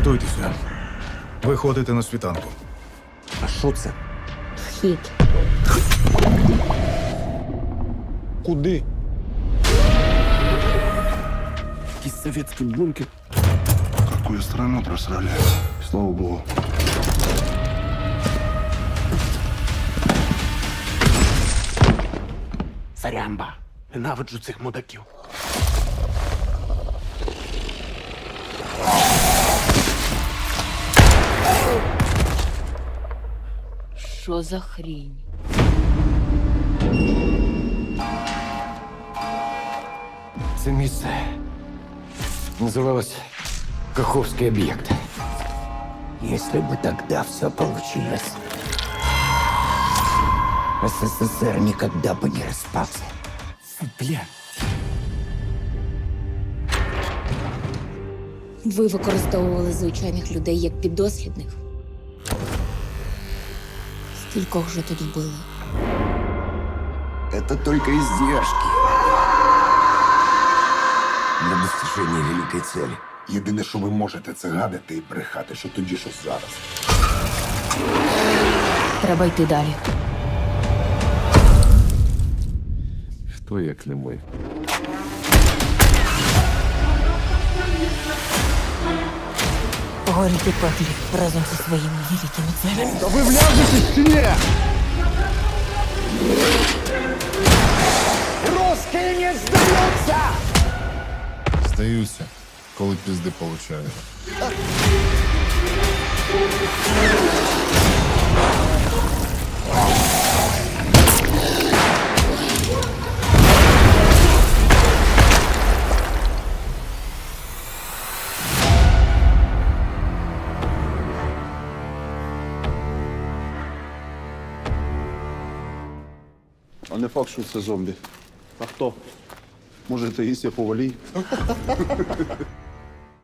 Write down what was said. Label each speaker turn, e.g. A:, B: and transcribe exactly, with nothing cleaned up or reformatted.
A: Готуйтеся. Виходите на світанку.
B: А що це?
C: Вхід.
B: Куди? Якийсь совєтський бункер.
D: Какую страну просрали? Слава богу.
B: Сарямба. Ненавиджу цих мудаків.
C: Що за хрінь?
E: Це місце называлось Каховский объект. Если бы тогда все получилось, СССР никогда бы не распался.
B: Бля.
C: Ви використовували звичайних людей як піддослідних. Скількох же тут вбили?
E: Это только издержки для достижения великой цели.
D: Єдине, що ви можете, це гадати і брехати, що тоді, що зараз.
C: Треба йти далі.
E: Хто як не ми?
C: Горіть у пеклі разом зі своїми великими целями.
B: Та ви вляжетесь чи ні?
E: Русский не сдается!
F: Здаюся, коли пізди получаю.
D: А не факт, що це зомбі.
B: А хто?
D: Може, Таїсія Повалій?